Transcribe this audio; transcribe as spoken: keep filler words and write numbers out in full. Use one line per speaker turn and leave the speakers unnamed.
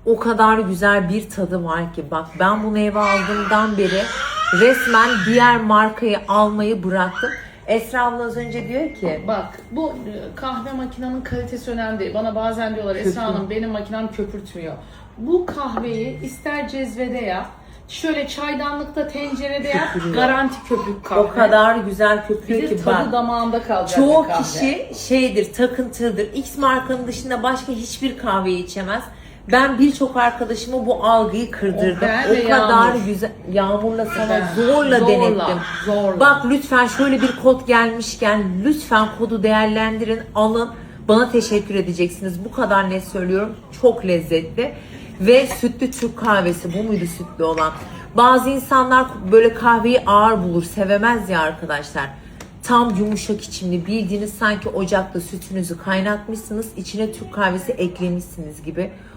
O kadar güzel bir tadı var ki. Bak ben bunu eve aldığımdan beri resmen diğer markayı almayı bıraktım. Esra abla az önce diyor ki.
Bak bu e, kahve makinenin kalitesi önemli değil. Bana bazen diyorlar Esra Hanım benim makinem köpürtmüyor. Bu kahveyi ister cezvede yap, şöyle çaydanlıkta tencerede yap,
Köpürüyor.
garanti köpük kahve.
O kadar güzel köpürüyor
Bir de
ki
tadı
bak.
damağında kalacak
Çoğu
bir kahve.
kişi şeydir, takıntılıdır. X markanın dışında başka hiçbir kahveyi içemez. Ben birçok arkadaşıma bu algıyı kırdırdım.
O ben
O,
ve
kadar
Yağmur.
güzel. Yağmurla sana
Ben.
zorla,
Zorla,
denettim.
zorla.
Bak lütfen şöyle bir kod gelmişken lütfen kodu değerlendirin, alın. Bana teşekkür edeceksiniz. Bu kadar net söylüyorum. Çok lezzetli. Ve sütlü Türk kahvesi. Bu muydu sütlü olan? Bazı insanlar böyle kahveyi ağır bulur, sevemez ya arkadaşlar. Tam yumuşak içimli, bildiğiniz sanki ocakta sütünüzü kaynatmışsınız, içine Türk kahvesi eklemişsiniz gibi.